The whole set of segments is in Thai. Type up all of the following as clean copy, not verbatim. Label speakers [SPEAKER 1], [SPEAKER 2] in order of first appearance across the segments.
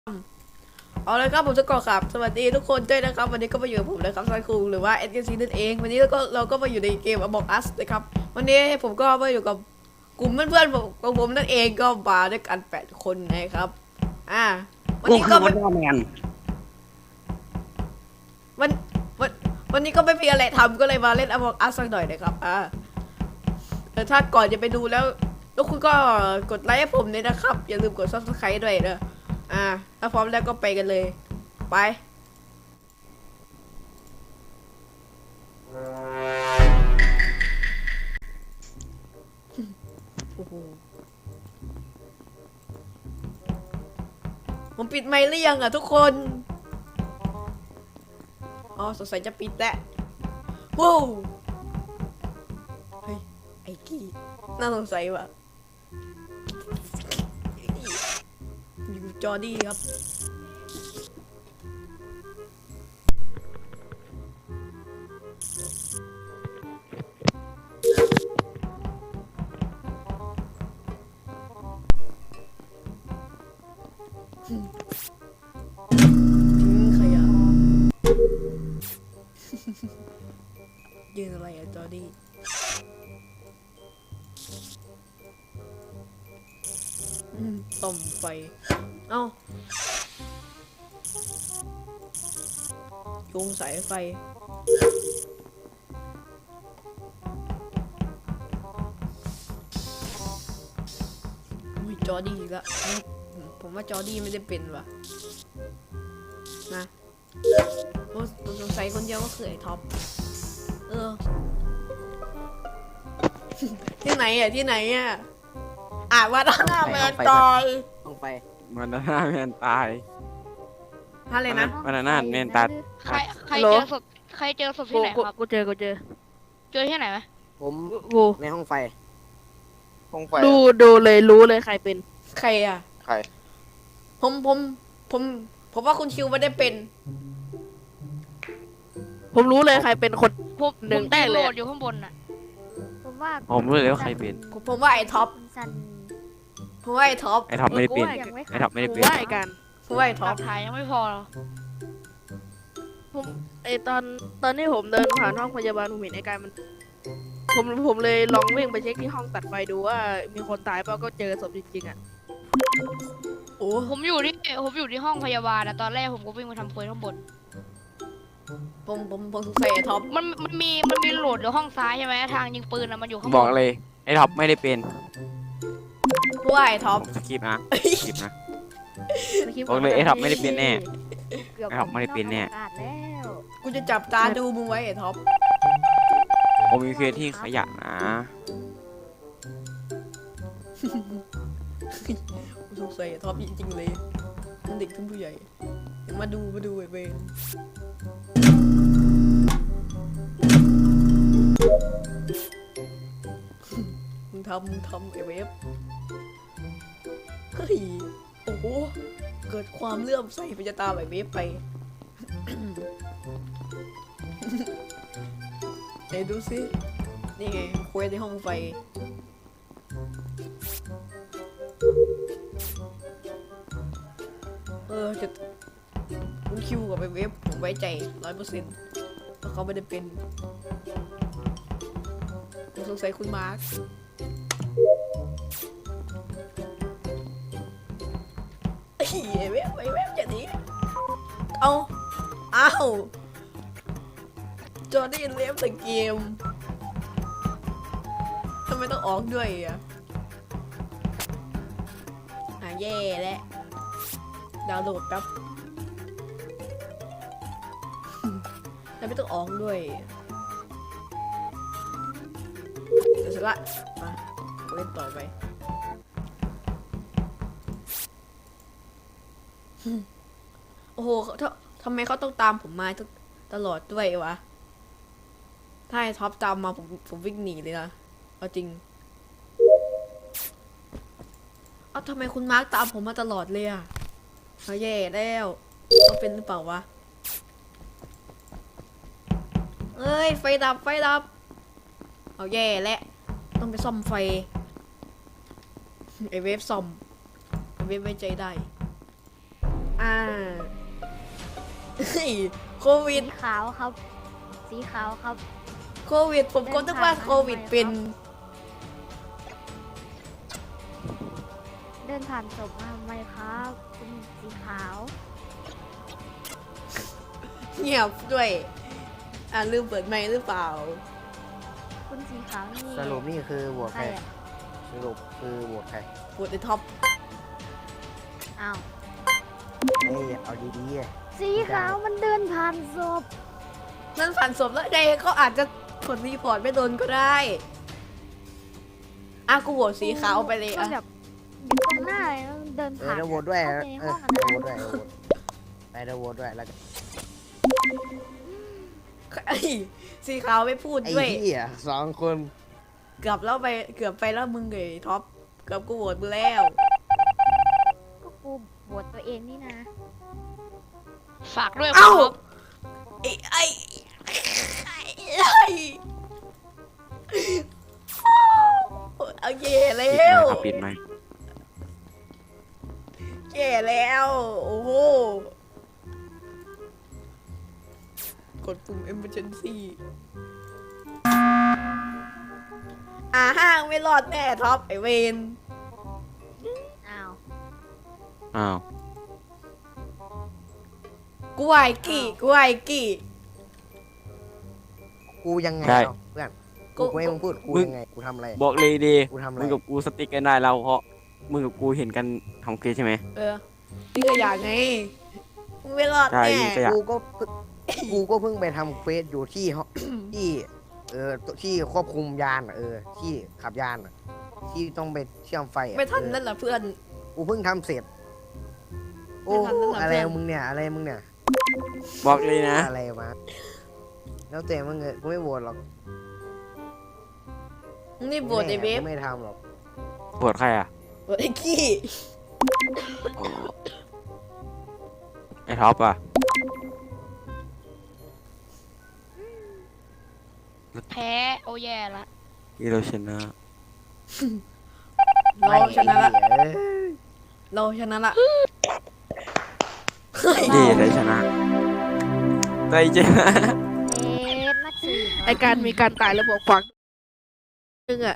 [SPEAKER 1] เอาเลยครับผมจะก่อครับสวัสดีทุกคนด้วยนะครับวันนี้ก็มาอยู่กับผมนะครับซายคุงหรือว่า SKC นั่นเองวันนี้เราก็มาอยู่ในเกม Among Us นะครับวันนี้ผมก็มาอยู่กับกลุ่มเพื่อนๆของผมนั่นเองก็มาด้วยกัน8 คนนะครับวันนี้ก็
[SPEAKER 2] วันแมน
[SPEAKER 1] วันวันวันนี้ก็ไม่มีอะไรทำก็เลยมาเล่น Among Us สักหน่อยนะครับแต่ถ้าก่อนจะไปดูแล้วคุณก็กดไลค์ให้ผมด้วยนะครับอย่าลืมกด Subscribe ด้วยนะถ้าพร้อมแล้วก็ไปกันเลยไปผมปิดไมค์หรือยังทุกคนอ๋อสงสัยจะปิดแล้วว้าวเฮ้ยไอ้กี้น่าสงสัยว่ะอยู่จอดี้ครับยืนอะไรอะจอดี้ต่อมไฟเอ้าโยงสายไฟจอดี้อีกแล้วผมว่าจอดี้ไม่ได้เป็นว่ะนะผมสงสัยคนเดียวก็คือไอ้ท็อปที่ไหนว่าหน้าแมนตาย
[SPEAKER 2] ลงไป
[SPEAKER 3] มันน่าแมนตาย
[SPEAKER 1] อะไรนะ
[SPEAKER 3] มันน่าแมนตาย
[SPEAKER 4] ใครเจอศพที่ไหนครับ
[SPEAKER 5] กูเจอ
[SPEAKER 4] เจอที่ไหนไหม
[SPEAKER 2] ผมในห้องไฟ
[SPEAKER 5] ดูเลยรู้เลยใครเป็น
[SPEAKER 1] ใครผมว่าคุณคิวไม่ได้เป็น
[SPEAKER 5] ผมรู้เลยใครเป็นคนหนึ่งได้เลย
[SPEAKER 4] อยู่ข้างบนน่ะ
[SPEAKER 3] ผมรู้เลยว่าใครเป็น
[SPEAKER 1] ผมว่าไอ้ท็อป
[SPEAKER 3] ไม่ได้เป็นไอ้ท็อปไม่ได้เป็น
[SPEAKER 5] ว่าไอ้กัน
[SPEAKER 1] ผมว่าไอ้ท็อป
[SPEAKER 4] ถ่ายยังไม่พอหรอ
[SPEAKER 5] ผมตอนที่ผมเดินผ่านห้องพยาบาลผมเห็นไอ้กันผมเลยลองวิ่งไปเช็คที่ห้องตัดไฟดูว่ามีคนตายเปล่าก็เจอศพจริงๆอ่ะ
[SPEAKER 4] ผมอยู่ที่ห้องพยาบาลนะตอนแรกผมก็วิ่งไปทำเควสข้างบน
[SPEAKER 1] ผมสงสัยไอ้ท็อป
[SPEAKER 4] มันมีโหลดอยู่ห้องซ้ายใช่ไหมทางยิงปืนนะมันอยู่ข้างบน
[SPEAKER 3] บอกเลยไอ้ท็อปไม่ได้เป็น
[SPEAKER 1] ว่าไอ้ท็อป
[SPEAKER 3] สกิปนะบอกเลยไอ้ท็อปไม่ได้เป็นแน่ไอ้ท็อปไม่ได้เป็นแน่
[SPEAKER 1] กูจะจับตาดูมึงไว้ไอ้ท็อป
[SPEAKER 3] ผมมีเควสที่ขยะนะ
[SPEAKER 1] กูสงสัยไอ้ท็อปจริงๆเลยทั้งเด็กทั้งผู้ใหญ่มาดูไอ้เวรมึงทำไอ้เวฟเฮ้ยโอ้โหเกิดความเลื่อมใสไปจะตามไอ้เวฟไปไหนดูสินี่ไงเควสในห้องไฟจะคุณคิวกับไอ้เวฟผมไว้ใจ100%เพราะเขาไม่ได้เป็นผมสงสัยคุณมาร์คไอ้เว็บจะหนีอ้าวจอร์ดี้เล่นแต่เกมทำไมต้องออกด้วยแย่แล้วดาวน์โหลดครับแล้วไม่ต้องออกด้วยเดี๋ยวเสร็จละมาเล่นต่อไปโอ้โหทำไมเขาต้องตามผมมาตลอดด้วยวะถ้าไอ้ท็อปตามมาผมวิ่งหนีเลยนะเอาจริงทำไมคุณมาร์คตามผมมาตลอดเลยเขาแย่แล้วเขาเป็นหรือเปล่าวะเอ้ยไฟดับเอาแย่แล้วต้องไปซ่อมไฟไอเวฟซ่อมไอเวฟไว้ใจได้เฮ้ยโควิ
[SPEAKER 3] สี
[SPEAKER 1] ด
[SPEAKER 3] ขาวครับ สีขาวครับ
[SPEAKER 1] โควิดผมก็นึกว่าโควิดเป็น
[SPEAKER 3] เดินผ่านศพมาทำไมครับคุณสีขาว
[SPEAKER 1] เงียบด้วยลืมเปิดไมค์หรือเปล่า
[SPEAKER 3] คุณสีขาวนี่
[SPEAKER 2] สรุปนี่คือโหวต
[SPEAKER 3] ใค
[SPEAKER 2] ใค
[SPEAKER 3] ร
[SPEAKER 2] ร
[SPEAKER 3] อะ
[SPEAKER 2] สรุปคือโหวตใคร
[SPEAKER 1] ปวดในท็อป
[SPEAKER 3] อ้าว
[SPEAKER 2] เฮ้ยเอาดีๆอะ
[SPEAKER 3] สีขาวมันเดินผ่านศพ
[SPEAKER 1] นั่นผ่านศพแล้วไงเขาอาจจะกดรีพอร์ตไม่โดนก็ได้กูโหวตสีขาวไปเลย
[SPEAKER 3] ก็แบบอยู่ตรงหน้าแล้วเดิน
[SPEAKER 2] เออ
[SPEAKER 3] ผ่าน
[SPEAKER 2] เดี๋ยวโหวตด้วย
[SPEAKER 3] เข้า
[SPEAKER 2] เอ
[SPEAKER 3] ไป
[SPEAKER 2] อ
[SPEAKER 3] ในห้อง
[SPEAKER 2] เดี๋ยว
[SPEAKER 3] อะ
[SPEAKER 2] โหวตด้วยเดี๋ยวโหวตด้วยแล้วกัน
[SPEAKER 1] ไอ้สีขาวไม่พูด
[SPEAKER 2] ไอ้
[SPEAKER 1] ด้วย
[SPEAKER 2] เหี้ยสองคน
[SPEAKER 1] เกือบไปแล้วมึงไงท็อปเกือบกูโหวตมึงแล้ว
[SPEAKER 3] ก็กูโหวตตัวเองนี่นะ
[SPEAKER 4] ฝากด้วย
[SPEAKER 1] เอ้า
[SPEAKER 4] ครับ
[SPEAKER 1] ไอ้เอาเย่แล้
[SPEAKER 3] ปิดไหม
[SPEAKER 1] ว
[SPEAKER 3] ครับปิดไหม
[SPEAKER 1] แย่แล้ว โอ้โห กดปุ่ม emergency ห้างไม่รอดแน่ท็อปไอเวน
[SPEAKER 3] อ้าว
[SPEAKER 6] อ้าว
[SPEAKER 1] กูไอกี้
[SPEAKER 2] กูยังไง
[SPEAKER 6] ใช่
[SPEAKER 2] เอาเพื่อนกูไม่มึงพูดกูยังไงกูทำอะไร
[SPEAKER 6] บอกเลยดี
[SPEAKER 2] กูทำอะไร
[SPEAKER 6] มึงกับกูสติ๊กกันได้แล้วเพราะมึงกับกูเห็นกันทำเควสใช่ไหม
[SPEAKER 1] นี่ก็อยากไงมึงไม่รอด
[SPEAKER 6] ใช่
[SPEAKER 1] แน่
[SPEAKER 6] นี่ก็อยาก
[SPEAKER 2] กูก็เพิ่งไปทำเควสอยู่ที่ที่ที่ควบคุมยานอะที่ขับยานอะที่ต้องไปเชื่อมไฟอะ
[SPEAKER 1] ไม่ทันนั่นแหละเพื่อน
[SPEAKER 2] กูเพิ่งทำเสร็จ โอ้
[SPEAKER 1] ไม่ทันแล้วเหรอ
[SPEAKER 2] อะไร
[SPEAKER 1] เพื่อน
[SPEAKER 2] มึงเนี่ยอะไรมึงเนี่ย
[SPEAKER 6] บอกเลยนะ
[SPEAKER 2] อะไรมาแล้วแต่มึงกูไม่โหวตหรอก
[SPEAKER 1] มึงนี่บวชไอเวฟ
[SPEAKER 2] กูไม่ทำหรอก
[SPEAKER 6] ปวดใครอ่ะ
[SPEAKER 1] บวชไอกี้
[SPEAKER 6] ไอ้ท็อปอ่ะ
[SPEAKER 4] แพ้โอ้แย่ละ
[SPEAKER 6] ที่เราชนะ
[SPEAKER 1] เราชนะละ
[SPEAKER 2] ไม่เหี้ย
[SPEAKER 1] เราชนะละเฮ้ย
[SPEAKER 6] เย่ได้ชนะได้ชนะ
[SPEAKER 3] เอ๊ะนักสืบ
[SPEAKER 5] ไอการมีการตายแล้วบอกขวางนึงอะ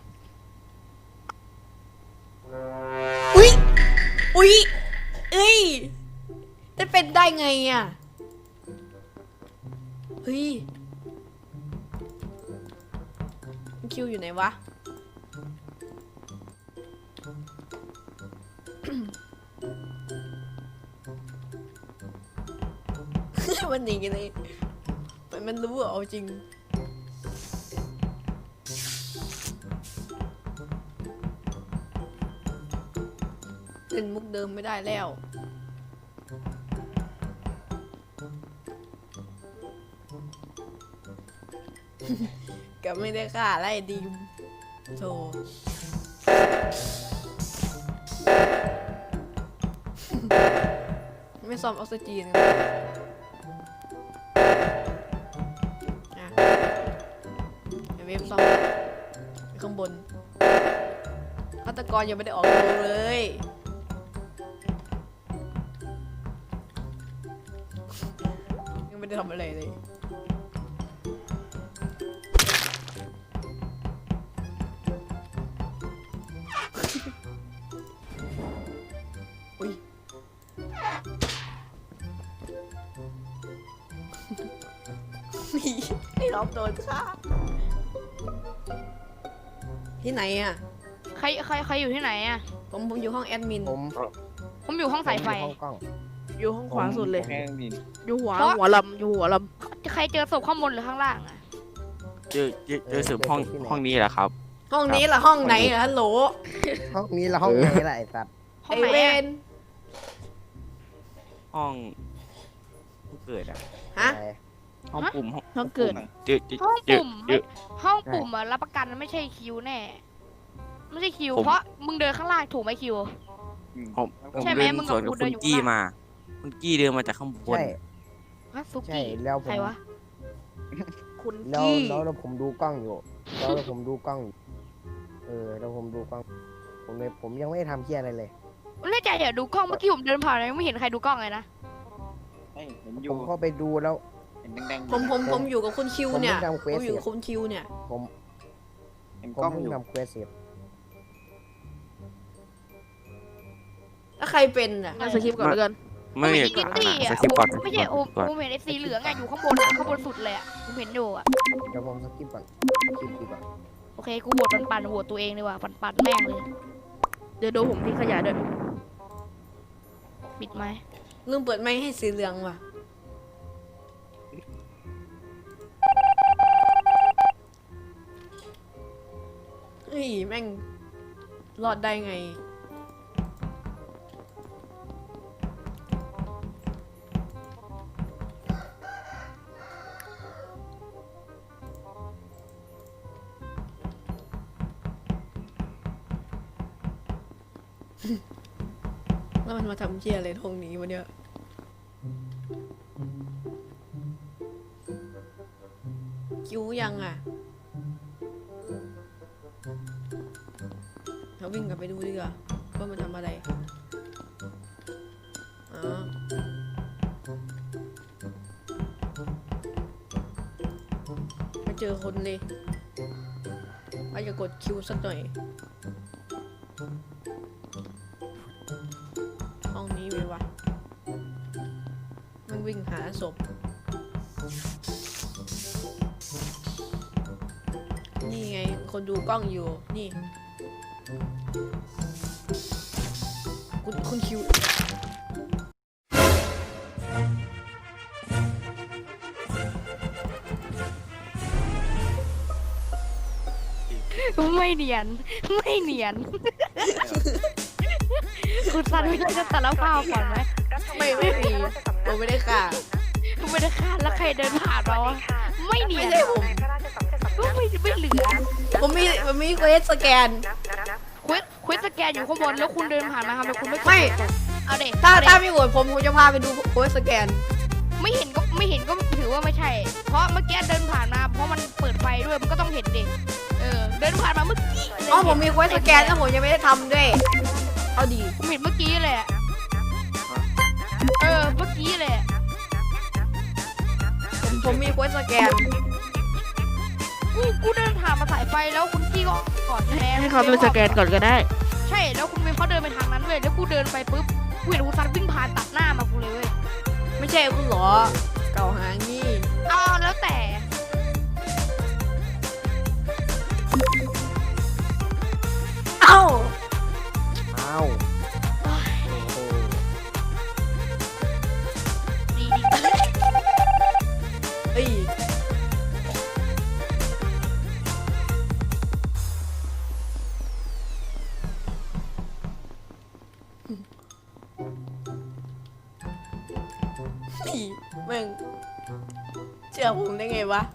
[SPEAKER 1] อุ๊ยเอ้ยจะเป็นได้ไงอ่ะ เฮ้ยคิวอยู่ไหนวะ มันหนีกันเลยมันรู้อะเอาจริง เล่นมุกเดิมไม่ได้แล้ว กับไม่ได้ฆ่าไล่ดีมโธ่ ไม่ซ่อมออกซิเจนกันอ่ะไอเวฟซ่อมข้างบนฆาตกรยังไม่ได้ออกตัวเลย ยังไม่ได้ทำอะไรเลย อุ้ย ไอ้รอบโดนฆ่าที่ไหนอ่ะ
[SPEAKER 4] ใครอยู่ที่ไหนอะ
[SPEAKER 1] ผมอยู่ห้องแอดมิน
[SPEAKER 2] ผม
[SPEAKER 4] ผมอยู่ห้องสายไฟ
[SPEAKER 2] ผมอยู่ห้องกล้อง
[SPEAKER 5] อยู่ห้องขวาสุดเลย
[SPEAKER 6] แม่งดิ
[SPEAKER 5] อยู่หัว
[SPEAKER 4] เพราะ
[SPEAKER 5] หัวลำอยู่หัวล
[SPEAKER 4] ใครเจอศพข้างบนหรือข้างล่างอะ
[SPEAKER 6] เจอสืบห้องนี้แหละครับ
[SPEAKER 1] ห้องนี้ล่ะห้องไหนล่ะฮัลโหล
[SPEAKER 2] ห้องนี้ละห้องไหนล่ะไอ้สัตว์
[SPEAKER 4] ห้อ
[SPEAKER 1] ไอง
[SPEAKER 4] ไหน
[SPEAKER 1] เว
[SPEAKER 4] อะ
[SPEAKER 1] น
[SPEAKER 6] ห้องผู้เกิดอ่ะ
[SPEAKER 1] ฮะ
[SPEAKER 2] อะไร
[SPEAKER 6] ห้องปุ่ม
[SPEAKER 5] ำห้องเกิด
[SPEAKER 4] ห้อง
[SPEAKER 6] เจอ
[SPEAKER 4] ปุ่ม
[SPEAKER 6] เจอ
[SPEAKER 4] ห้องปุ่มอะรับประกันไม่ใช่คิวแน่ ไม่ใช่คิว
[SPEAKER 6] ผม
[SPEAKER 4] เพราะมึงเดินข้างล่างถูกไหมคิว
[SPEAKER 6] ผม
[SPEAKER 4] ใช่ไหม
[SPEAKER 6] เดิน
[SPEAKER 4] มึงกับ
[SPEAKER 6] สวนกับ
[SPEAKER 4] กูเดิ
[SPEAKER 6] คุ
[SPEAKER 4] น
[SPEAKER 6] ณ
[SPEAKER 4] อยู่
[SPEAKER 6] กี้
[SPEAKER 4] ข้างล่าง
[SPEAKER 6] มาคุณกี้เดินมาจากข้างบน
[SPEAKER 2] ใช่
[SPEAKER 4] ฮะซุ
[SPEAKER 2] ใช่
[SPEAKER 4] กี้
[SPEAKER 2] แล้วผม
[SPEAKER 4] ใครวะ
[SPEAKER 5] คุณ
[SPEAKER 2] แล้ว
[SPEAKER 5] กี้
[SPEAKER 2] แล้วผมดูกล้องอยู่แล้วผมดูกล้องอยู่แล้วผมดูกล้องผมยังไม่ได้ทำเพี้ยอะไรเลย
[SPEAKER 4] เล่นใจอย่าดูกล้องเมื่อกี้ผมเดินผ่านยังไม่เห็นใครดูกล้องเลยนะ
[SPEAKER 3] เห็นอ
[SPEAKER 2] ผ
[SPEAKER 3] ยู่
[SPEAKER 2] มเข้าไปดูแล้ว
[SPEAKER 3] เห็นแดงๆ
[SPEAKER 1] ผมอยู่กับคุณคิวเนี่ย
[SPEAKER 2] ผมไม่ทำเควส
[SPEAKER 1] ผมอยู่กับคุณคิวเนี่ย
[SPEAKER 2] ผม
[SPEAKER 3] เห็น
[SPEAKER 2] ผ
[SPEAKER 3] กล้อ
[SPEAKER 2] ม
[SPEAKER 3] ง
[SPEAKER 2] เพิ่
[SPEAKER 3] องยู่
[SPEAKER 2] ทำเควสเสร็จ
[SPEAKER 1] แล้วใครเป็นอ่ะ
[SPEAKER 5] งั้นสคริปต์ก่อนแล้วกัน
[SPEAKER 6] ไม่
[SPEAKER 4] ไม่
[SPEAKER 6] มี
[SPEAKER 4] ใช่นิตตี้
[SPEAKER 6] ส
[SPEAKER 4] อ่ะ
[SPEAKER 6] กิปก่อน
[SPEAKER 4] ไม่ใช่
[SPEAKER 6] ก่อน
[SPEAKER 4] ผมเห็นไอ้สีเหลืองอ่ะอยู่ข้างบนอะข้างบนสุดเลยอ่ะผมเห็นอยู่อ่ะ
[SPEAKER 2] เดี๋ยวผมสกิปก่อนคลิปดีกว่า
[SPEAKER 4] โอเคกูโหวตปันโหวตตัวเองเลยว่ะปันแม่งเลย
[SPEAKER 5] เดี๋ยวดูผมทิ้งขยะด้วย
[SPEAKER 4] ปิดไหม
[SPEAKER 1] ลืมเปิดไมค์ให้สีเหลืองว่ะเฮ้ยแม่งรอดได้ไง แล้วมันมาทำเชี่ยอะไรตรงนี้วะเนี่ย คิวยังอ่ะเราวิ่งกลับไปดูดีกว่าว่ามันทำอะไรอ๋อไม่เจอคนเลยว่าจะกดคิวสักหน่อย ห้องนี้มีวะมันวิ่งหาศพ นี่ไง คนดูกล้องอยู่ นี่ คุณคิว
[SPEAKER 4] ไม่เนียนไม่เนียนคุณซันไม่ได้จะสารภาพก่อนไหม
[SPEAKER 1] ไม่มีผมไม่ได้ค่ะ
[SPEAKER 4] ไม่ได้ฆ่าแล้วใครเดินผ่านมาวะไม่เนี
[SPEAKER 1] ไม่
[SPEAKER 4] ยน
[SPEAKER 1] ใช่ผม
[SPEAKER 4] ไม่เหลือ
[SPEAKER 1] ผมมีเควสสแกน
[SPEAKER 4] ควิสสแกนอยู่ข้างบนแล้วคุณเดินผ่านมาทำไมคุณไม่
[SPEAKER 1] ไม่
[SPEAKER 4] เอาเด็ก
[SPEAKER 1] ถ้าไม่โหวตผมจะพาไปดูเควสสแกน
[SPEAKER 4] ไม่เห็นก็ถือว่าไม่ใช่ เพราะเมื่อกี้เดินผ่านมาเพราะมันเปิดไฟด้วยมันก็ต้องเห็นเด็กเดินผ่านมาเมื่อกี้
[SPEAKER 1] อ๋อผมมีเควสสแกนแล้วผมยังไม่ได้ทำด้วย เอาดี
[SPEAKER 4] ผมเห็นเมื่อกี้เลยอะเมื่อกี้เลยอะ
[SPEAKER 1] ผมมีเควสสแกน
[SPEAKER 4] กูเดินผ่านมาสายไฟแล้วคุณพี่ก็กอดแทน
[SPEAKER 5] ให้เขาเป็นสแกนก่อนก็ได้
[SPEAKER 4] ใช่แล้วคุณเวฟเขาเดินไปทางนั้นเว้ยแล้วกูเดินไปปุ๊บกูเห็นคุณซันวิ่งผ่านตัดหน้ามากูเลยเว้ย
[SPEAKER 1] ไม่ใช่คุณเหรอ เก่าหางี้
[SPEAKER 4] เอาแล้วแต่
[SPEAKER 1] เอ้า
[SPEAKER 2] อ้าวโอ้โห
[SPEAKER 4] ดี
[SPEAKER 1] เอ้ยนี่มึงเชื่อผมได้ไงวะ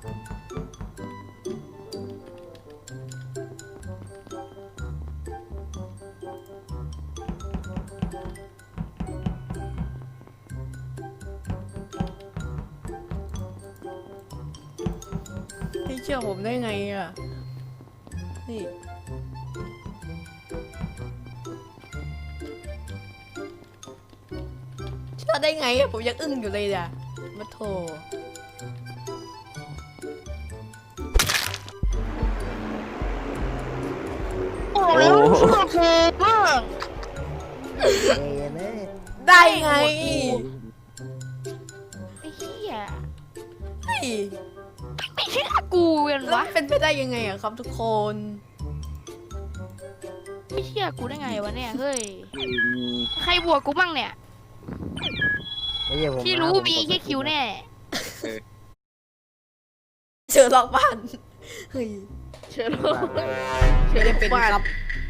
[SPEAKER 1] ให้เชื่อผมได้ไงอ่ะ นี่ เชื่อได้ไงอะผมยังอึ้งอยู่เลยอ่ะมาโถ
[SPEAKER 4] โอ้แล้วเชื่อกูบ้าง
[SPEAKER 2] เอ้ยแม่
[SPEAKER 1] ได้ไง
[SPEAKER 4] ไอ้เหี้ย
[SPEAKER 1] เฮ้ย
[SPEAKER 4] ไม่เชื่อกูกัน
[SPEAKER 1] แล้ว
[SPEAKER 4] วะ
[SPEAKER 1] เป็นไปได้ยังไงอะครับทุกคน
[SPEAKER 4] ไม่เชื่อกูได้ไงวะเนี่ยเฮ้ยใครบวกกูบ้างเนี่ย
[SPEAKER 2] ไม่ใช่ผม
[SPEAKER 4] ที่รู้
[SPEAKER 2] นะ
[SPEAKER 4] มีแค่คิวแน่
[SPEAKER 1] เจอล็อกบ้าน เฮ้ย
[SPEAKER 5] เชิญ
[SPEAKER 1] ไม่ได้เป็นครับ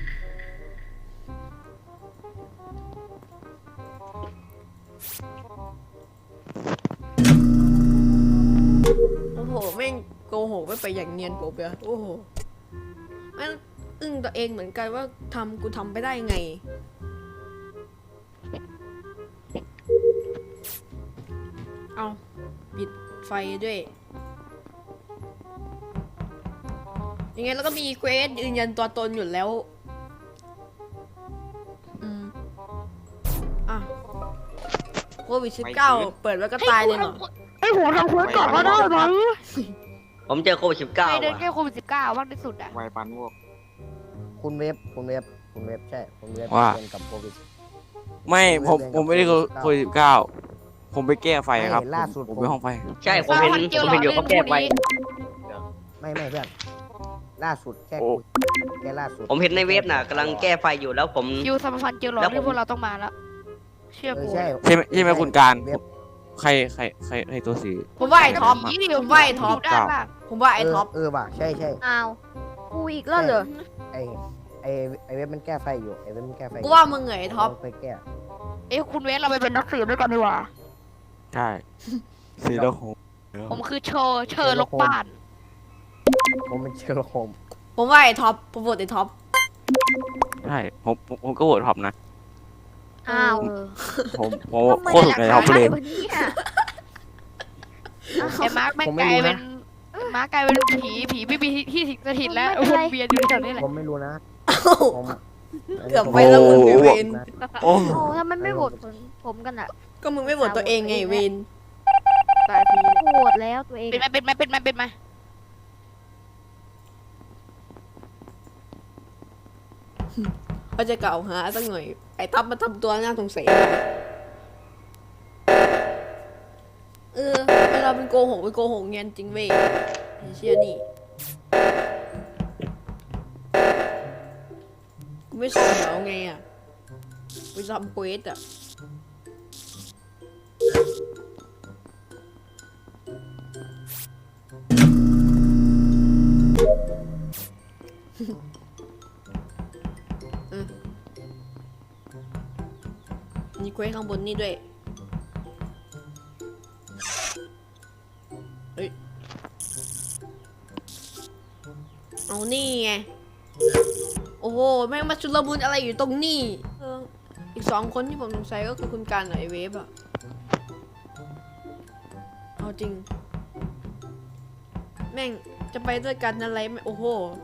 [SPEAKER 1] โอ้โหแม่งโกหกไม่ไปอย่างเนียนกบเลยโอ้โหแม่งอึ้งตัวเองเหมือนกันว่ากูทำไปได้ไง เอาปิดไฟด้วย ยังไงแล้วก็มีเควสยืนยันตัวตนอยู่แล้ว อ่ะวิด19เปิดแล้วก็ตายเลยเหรอ
[SPEAKER 4] ไอ้หัวทำเควสก่อนก็ได้ไหม
[SPEAKER 7] ผมเจอโควิด19
[SPEAKER 4] ไปเดิน
[SPEAKER 7] ว่ะ
[SPEAKER 4] แค่โควิด19มากที่สุดอะ
[SPEAKER 3] ไวปันพวก
[SPEAKER 2] คุณเว็บคุณเว็บคุณเว็บใช่คุณเว็บ
[SPEAKER 6] ว่า
[SPEAKER 2] เป็นกับโควิด
[SPEAKER 6] ไม่ผมไม่ได้โควิด19ผมไปแก้ไฟครับ
[SPEAKER 2] ไม่ล่าสุด
[SPEAKER 6] ผมไปห้องไฟ
[SPEAKER 7] ใช่ผมเห็นอยู่เขาแก้ไฟ
[SPEAKER 2] ไม่เพื่อนล่าสุดแค่
[SPEAKER 6] โอ้
[SPEAKER 2] แค่ล่าสุด
[SPEAKER 7] ผมเห็นในเว็บน่ะกำลังแก้ไฟอยู่แล้วผม
[SPEAKER 4] คิวสมพันธ์เจลหลอดที่พวกเราต้องมาแล้ว เชื่อ
[SPEAKER 2] เออ
[SPEAKER 4] กู
[SPEAKER 2] ใช่
[SPEAKER 6] ใช่ไหมคุณการ
[SPEAKER 2] เว็บ
[SPEAKER 6] ใครตัวสี
[SPEAKER 1] ผมว่าไอ้ท็อป
[SPEAKER 4] ผี
[SPEAKER 1] ผมว่าไอ้ท็อป
[SPEAKER 4] ยู่ด้านล่าง
[SPEAKER 1] ผมว่าไอ้ท็อป
[SPEAKER 2] เออว่ะใช่ใช่
[SPEAKER 8] อ้าวกูอีกแล้วเหรอ
[SPEAKER 2] ไอไอเว็บมันแก้ไฟอยู่ไอเว็บมันแก้ไฟอยู่
[SPEAKER 1] กูว่ามึงเหงไอ้ท็อป
[SPEAKER 2] ไปแก้
[SPEAKER 4] เอ้ยคุณเวสเราไปเป็นนักสืบด้วยกันดีกว่า
[SPEAKER 6] ใช่สีแล้วผม
[SPEAKER 4] ผมคือเชอร์ลกบ้าน
[SPEAKER 2] ผมเป็นเชอร์ล็อกโฮมส์
[SPEAKER 1] ผมว่าไอ้ท็อปผมโหวตไอ้ท็อป
[SPEAKER 6] ใช่ผมก็โหวตท็อปนะ
[SPEAKER 8] อ้าว
[SPEAKER 6] ผมโคตรถูกใจท็อปเลย
[SPEAKER 8] วันนี้อ่ะ
[SPEAKER 4] ไอ้มาร์คแม่งกลายเป็นมาร์คกลายเป็นผีไม่มีที่สิงสถิตแล้ววนเวียนอยู่แถวนี้แหละ
[SPEAKER 2] ผมไม่รู้นะผม
[SPEAKER 1] เกือบไปแล้วมึงไอ้เวน
[SPEAKER 6] โอ้
[SPEAKER 8] โอ้ทำไมไม่โหวตผมกันอ่ะ
[SPEAKER 1] ก็มึงไม่โหวตตัวเองไงเวน
[SPEAKER 5] ตายที
[SPEAKER 8] โหวตแล้วตัวเอง
[SPEAKER 4] เป็นไหม
[SPEAKER 1] เขาจะกล่าวหาสักหน่อยไอ้ท็อปมาทำตัวน่าสงสัยเวลาเป็นโกหกเงี้ยจริงเว้ยไอ้เชี่ยนี่กูไม่สนแล้วไงอ่ะไปทำเควสอ่ะมีเควสข้างบนนี่ด้วยเฮ้ยเอานี่ไง โอ้โห แม่งมาชุลมุนอะไรอยู่ตรงนี้อีก2 คนที่ผมสงสัยก็คือคุณการกับไอเวฟอะเอาจริง แม่งจะไปด้วยกันอะไรไม่โอ้โห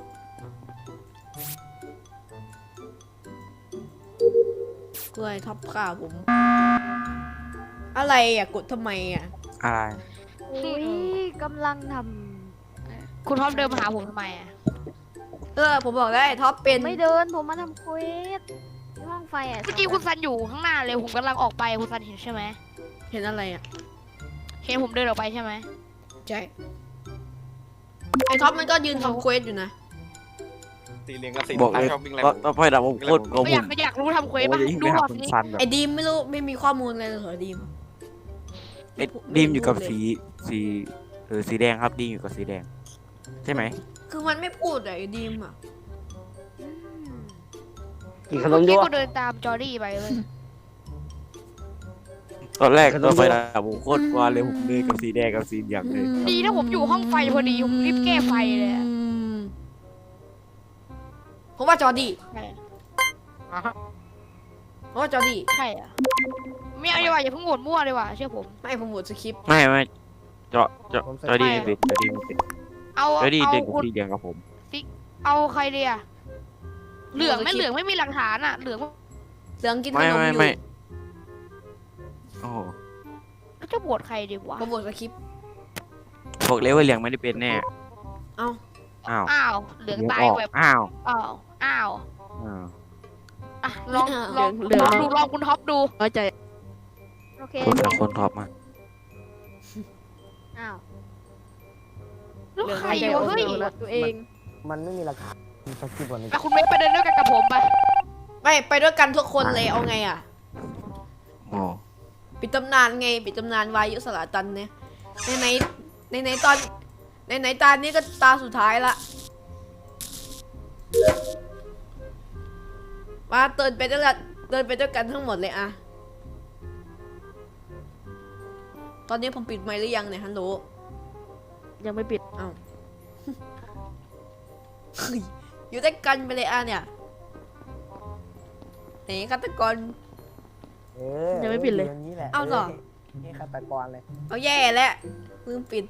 [SPEAKER 1] กล้วยท็อปข่าผม อะไรอ่ะ กดทำไมอ่ะ
[SPEAKER 6] อะไร
[SPEAKER 8] อุ้ยกำลังท
[SPEAKER 4] คุณท็อปเดินมาหาผมทำไมอะ
[SPEAKER 1] ผมบอกได้ท็อปเป็น
[SPEAKER 8] ำไม่เดินผมมาทำเควสที่ห้องไฟอ่ะ
[SPEAKER 4] เมื่อกี้คุณซันอยู่ข้างหน้าเลยผมกำลังออกไปคุณซันเห็นใช่ไหม
[SPEAKER 1] เห็นอะไรอ่ะ
[SPEAKER 4] เห็นผมเดินออกไปใช่ไหม
[SPEAKER 1] ใช่ ไอท็อปมันก็ยืนทำเควสอยู่นะ
[SPEAKER 3] ตีเลียงกับสี
[SPEAKER 6] บอกเลย
[SPEAKER 3] ชอบวิ่งไล่
[SPEAKER 6] ต่อไปดับผมโคตร
[SPEAKER 4] ไม่อยากรู้ทำเควสป่ะ
[SPEAKER 6] โอ้ย
[SPEAKER 4] ดู
[SPEAKER 6] ไป
[SPEAKER 4] ห
[SPEAKER 6] หา
[SPEAKER 4] ลอด
[SPEAKER 6] คุณ
[SPEAKER 4] นี้
[SPEAKER 6] ซันแบบ
[SPEAKER 1] ไอดีมไม่รู้ไม่มีข้อมูลอะไรเลยเหรอดีม
[SPEAKER 6] ไอ้ดีมอยู่กับสีแดงครับดีมอยู่กับสีแดง ใช่ไหม
[SPEAKER 1] คือมันไม่พูดอะไอดีมอ่ะ
[SPEAKER 7] กินขน
[SPEAKER 4] เมื่
[SPEAKER 7] ม
[SPEAKER 4] อ
[SPEAKER 7] ด้
[SPEAKER 4] กี้
[SPEAKER 7] วย
[SPEAKER 4] ก็เดินตามจอรี่ไปเลย
[SPEAKER 6] ตอนแรกต่อไปดับผมโคตรกลัวเลยผมเลยกับสีแดงกับสีเหลืองเลย
[SPEAKER 4] ดีถ้าผมอยู่ห้องไฟพอดีผมรีบแก้ไฟเลยอะ
[SPEAKER 1] ผมว่าจอร์ดี้
[SPEAKER 4] ใช่
[SPEAKER 1] ผมว่าจอร์ดี้
[SPEAKER 4] ใช่อะไม่เอาดีกว่าอย่าเพิ่งโหวตมั่วเลยว่ะเชื่อผม
[SPEAKER 1] ไม่ผมโหวตสคริปต์
[SPEAKER 6] ไม่จอดีไม่ติดจอดีไม่ติด
[SPEAKER 4] เอา
[SPEAKER 6] จอดี
[SPEAKER 4] เอา
[SPEAKER 6] เด็กกับ
[SPEAKER 4] คุณ
[SPEAKER 6] สีแดงกับผม
[SPEAKER 4] เอาใครดีอะเหลืองไม่มีหลักฐานอะเหลือง
[SPEAKER 1] เหลืองกินข
[SPEAKER 6] ไม่
[SPEAKER 1] นมอยู่
[SPEAKER 6] ไม่โอ้โห
[SPEAKER 4] แล้วจะโหวตใครดีวะ
[SPEAKER 1] ผมโหวตสคริปต์
[SPEAKER 6] บอกเลยว่าเหลืองไม่ได้เป็นแน่
[SPEAKER 1] เอ้า
[SPEAKER 6] อ้าว
[SPEAKER 4] อ้าวเหลือง
[SPEAKER 6] เหลือง
[SPEAKER 4] ตาย
[SPEAKER 6] ออก
[SPEAKER 4] แบบ
[SPEAKER 6] อ้าว
[SPEAKER 4] อ้าวอ้าว
[SPEAKER 6] อ้าว
[SPEAKER 4] อ่ะลองคุณท็อปดู
[SPEAKER 5] น้อยใจ
[SPEAKER 8] โอเค
[SPEAKER 6] คนท็อปมา
[SPEAKER 8] อ้าว
[SPEAKER 4] แล้วใครวะเฮ้ย
[SPEAKER 5] ตัวเอง
[SPEAKER 2] มันไม่มีราคาสักทีวันนี้
[SPEAKER 4] อ่ะคุณเมย์ไปเดินด้วยกันกับผมไป
[SPEAKER 1] ไปด้วยกันทุกคนเลยเอาไงอ่ะ
[SPEAKER 6] โอ้
[SPEAKER 1] ปิดตำนานไงปิดตำนานวายุสลาตันเนี่ยในตอนในตานี้ก็ตาสุดท้ายละมาเดินไปด้วยกันทั้งหมดเลยอะตอนนี้ผมปิดไมค์หรือยังเนี่ยฮัลโหล
[SPEAKER 5] ยังไม่ปิด
[SPEAKER 1] เอ้า เฮ้ยอยู่ด้วยกันไปเลยอะเนี่ยไหนฆาตกร
[SPEAKER 5] ยังไม่ปิดเลย
[SPEAKER 2] อย่างนี้แหละ
[SPEAKER 1] เอาเหรอ
[SPEAKER 2] นี่ฆาตกรเลย
[SPEAKER 1] เอาแย่แล้วลืมปิด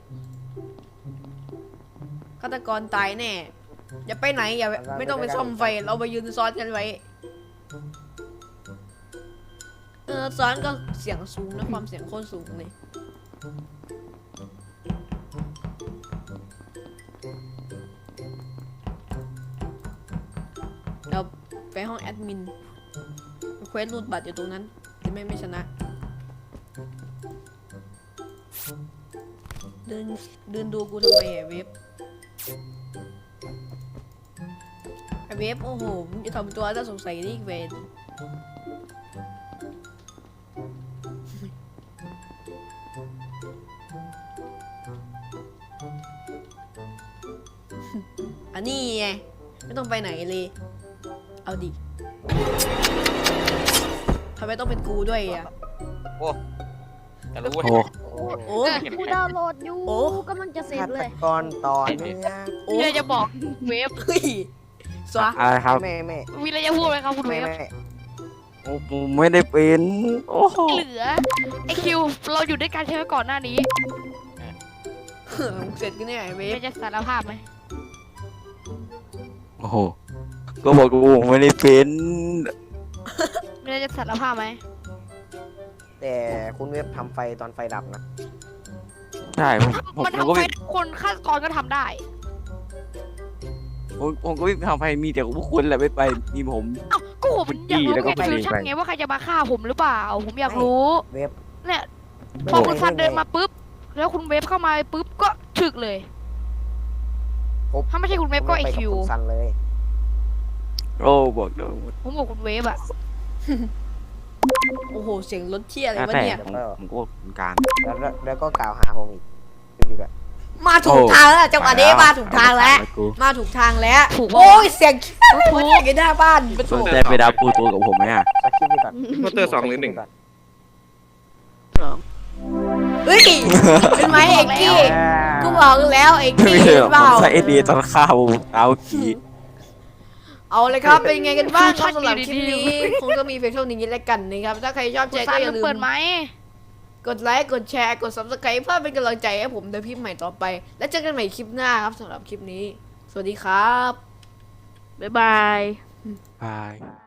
[SPEAKER 1] ฆาตกรตายแน่อย่าไปไหนอย่าไม่ต้องไปซ่อมไฟเราไปยืนซ้อนกันไว้ซ้อนก็เสียงสูงนะความเสียงโคตรสูงเลยเราไปห้องแอดมินเควสรูดบัตรอยู่ตรงนั้นจะไม่ชนะเดินดูกูทำไมไอ้เว็บไอ้เว็บโอ้โหมึงจะทำตัวน่าสงสัยดิเวนอันนี้ไงไม่ต้องไปไหนเลยเอาดิทำไมต้องเป็นกูด้วยอ่ะ
[SPEAKER 6] จะรู้
[SPEAKER 3] โอ้
[SPEAKER 1] โอ้
[SPEAKER 8] กูดาวน์โหลดอยู่
[SPEAKER 1] โอ้
[SPEAKER 8] กำลังจะเสร็จ
[SPEAKER 2] ฆา
[SPEAKER 8] เล
[SPEAKER 2] ต
[SPEAKER 8] ย
[SPEAKER 2] กรต่อเนื่อง
[SPEAKER 1] โอ้
[SPEAKER 4] มีอะไรจะบอกเวฟ
[SPEAKER 1] เฮ้ยสวะ
[SPEAKER 6] อะไรครับ
[SPEAKER 2] แม่
[SPEAKER 4] มีอะไรจะพูดไหมครับคุณเวฟ
[SPEAKER 6] โอ้ผมไม่ได้เป็นโอ้โห
[SPEAKER 4] เหลือไอคิวเราอยู่ด้วยกันใช่ไหมก่อนหน้านี้
[SPEAKER 1] เสร็จกันเนี่ยไอ้เวฟ
[SPEAKER 4] ไม่จะสารภาพไหม
[SPEAKER 6] โอ้โหก็บอกกูไม่ได้เป็น
[SPEAKER 4] ไม่ได้จะสารภาพไหม
[SPEAKER 2] แต่คุณเว็บทำไฟตอนไฟดับนะ
[SPEAKER 6] ใช่ผม
[SPEAKER 4] มัน
[SPEAKER 6] ก็
[SPEAKER 4] ทำไป
[SPEAKER 6] ไม่
[SPEAKER 4] คนฆาตกรก็ทำได้
[SPEAKER 6] ผมก็ไม่ทำให้มีแต่พวกคุณแหละไม่ไปมีผม
[SPEAKER 4] เอ้าก็ผมอยากรู้
[SPEAKER 6] แล้วก็
[SPEAKER 4] ไง
[SPEAKER 6] ไป
[SPEAKER 4] ฟิวชั่น
[SPEAKER 6] ไป
[SPEAKER 4] ไงว่าใครจะมาฆ่าผมหรือเปล่า ผมอยากรู้
[SPEAKER 2] เว็บ
[SPEAKER 4] เนี่ยพอคุณซันเดินมาปุ๊บแล้วคุณเวฟเข้ามาปุ๊บก็ฉึกเลย ถ้าไม่ใช่คุณเวฟก็ไอ
[SPEAKER 2] ผมม่ป
[SPEAKER 4] คิว
[SPEAKER 2] กับณซันเลย
[SPEAKER 6] โอ้บอกเดี๋ยว
[SPEAKER 4] ผมบอกคุณเวฟอะ
[SPEAKER 1] โอ้โหเสียงรถเที่ยอะไร
[SPEAKER 6] แล้ว
[SPEAKER 1] วะ
[SPEAKER 6] แต่
[SPEAKER 1] เนี่ย
[SPEAKER 6] ผมก็เป็นกลาง
[SPEAKER 2] แล้วก็กล่าวหาผมอีกดูดีกว่า
[SPEAKER 1] มาถูกทางแล้วจังหวะนี้มาถูกทางแล้ว
[SPEAKER 6] กู
[SPEAKER 1] มาถูกทางแล้ว
[SPEAKER 4] ถูก
[SPEAKER 1] โอ้ย
[SPEAKER 4] ว่า
[SPEAKER 1] เสียงเชี่ยอะไรวะเนี่ยอยู่หน้าบ้านเป็น
[SPEAKER 6] ส
[SPEAKER 1] ถู
[SPEAKER 6] น
[SPEAKER 1] ก
[SPEAKER 6] ใจไปดับปูตัวกับผมไหมอ่ะ
[SPEAKER 2] สคริปต์ดีก่อน
[SPEAKER 3] โปสเตอร์2 หรือ 1
[SPEAKER 1] เฮ้ยเป็นไหมเอกกี้กูบอกแล้วเอก
[SPEAKER 6] ไม่
[SPEAKER 1] กี้
[SPEAKER 6] ใช่หรอก
[SPEAKER 1] เป
[SPEAKER 6] ผ
[SPEAKER 1] ล่าม
[SPEAKER 6] ใส่เอดีตอนข้าวเอาขี่
[SPEAKER 1] เอาเลยครับเป็นไงกันบ้างครับสำหรับคลิปนี้คงจะมีเพียงเท่านี้แล้วกันนะครับถ้าใครชอบ
[SPEAKER 4] คุ
[SPEAKER 1] ใจ
[SPEAKER 4] ณซั
[SPEAKER 1] ก็
[SPEAKER 4] น
[SPEAKER 1] อย่าลื
[SPEAKER 4] เปิ
[SPEAKER 1] ม
[SPEAKER 4] ดไหม
[SPEAKER 1] กดไลค์ กดแชร์ กด subscribe เพื่อเป็นกำลังใจให้ผมในคลิปใหม่ต่อไป และเจอกันใหม่คลิปหน้าครับสำหรับคลิปนี้ สวัสดีครับ
[SPEAKER 4] บ๊ายบาย
[SPEAKER 6] บาย